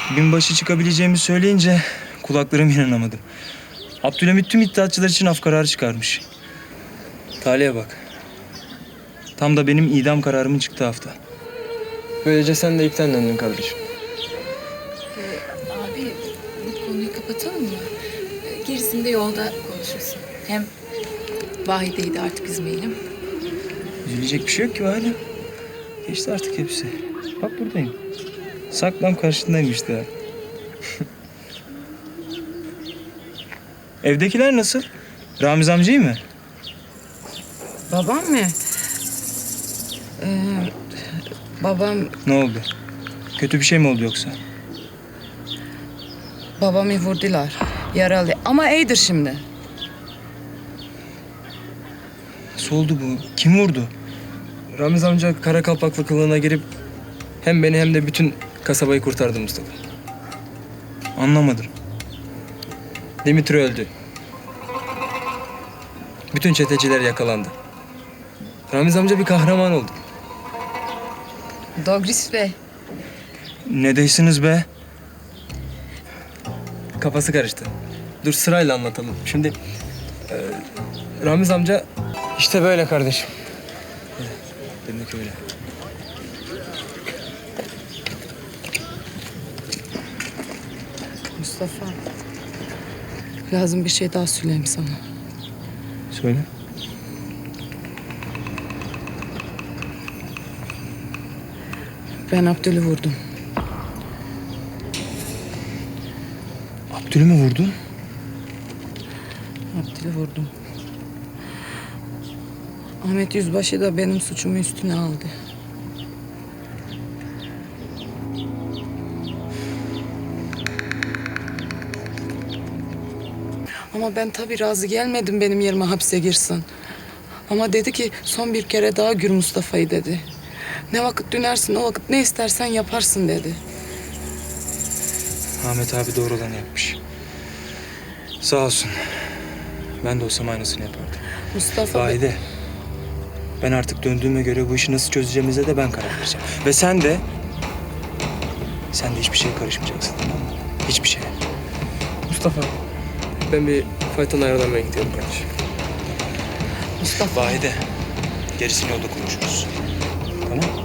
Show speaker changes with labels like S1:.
S1: binbaşı çıkabileceğimi söyleyince kulaklarıma inanamadım. Abdülhamit tüm iddiatçılar için af kararı çıkarmış. Talihe bak. Tam da benim idam kararımın çıktığı hafta.
S2: Böylece sen de ipten döndün kardeşim.
S3: Abi bu konuyu kapatalım mı? Gerisini de yolda konuşuruz. Hem Vahide'yi de artık üzmeyelim.
S1: Üzülecek bir şey yok ki hala. Geçti artık hepsi. Bak buradayım. Saklam karşındayım işte. Evdekiler nasıl? Ramiz amca iyi mi?
S4: Babam mı? Babam,
S1: Ne oldu? Kötü bir şey mi oldu yoksa?
S4: babamı vurdular. Yaralı ama iyidir şimdi.
S1: Nasıl oldu bu? Kim vurdu?
S2: Ramiz amca kara kalpaklı kılığına girip hem beni hem de bütün kasabayı kurtardı Mustafa.
S1: Anlamadım.
S2: Dimitri öldü. Bütün çeteciler yakalandı. Ramiz amca bir kahraman oldu.
S4: Dogris Bey.
S1: Ne deysiniz be?
S2: Kafası karıştı. Dur sırayla anlatalım. Şimdi Ramiz amca işte böyle kardeşim.
S1: Demek öyle.
S4: Mustafa. Lazım bir şey daha söyleyeyim sana.
S1: Söyle.
S4: Ben Abdül'ü vurdum.
S1: Abdül'ü mü vurdun?
S4: Abdül'ü vurdum. Ahmet Yüzbaşı da benim suçumu üstüne aldı. Ama ben tabii razı gelmedim benim yerime hapse girsin. Ama dedi ki son bir kere daha gör Mustafa'yı dedi. Ne vakit dönersin o vakit ne istersen yaparsın dedi.
S1: Ahmet abi doğru olanı yapmış. Sağ olsun. Ben de olsam aynısını yapardım.
S4: Mustafa Bey,
S1: Vahide. Ben artık döndüğüme göre bu işi nasıl çözeceğimize de ben karar vereceğim. Ve sen de hiçbir şeye karışmayacaksın, tamam mı? Hiçbir şeye.
S2: Mustafa ben bir fayton ayarlamaya gidiyorum kardeşim.
S4: Mustafa.
S1: Vahide. Gerisini yolda konuşuruz. Tamam?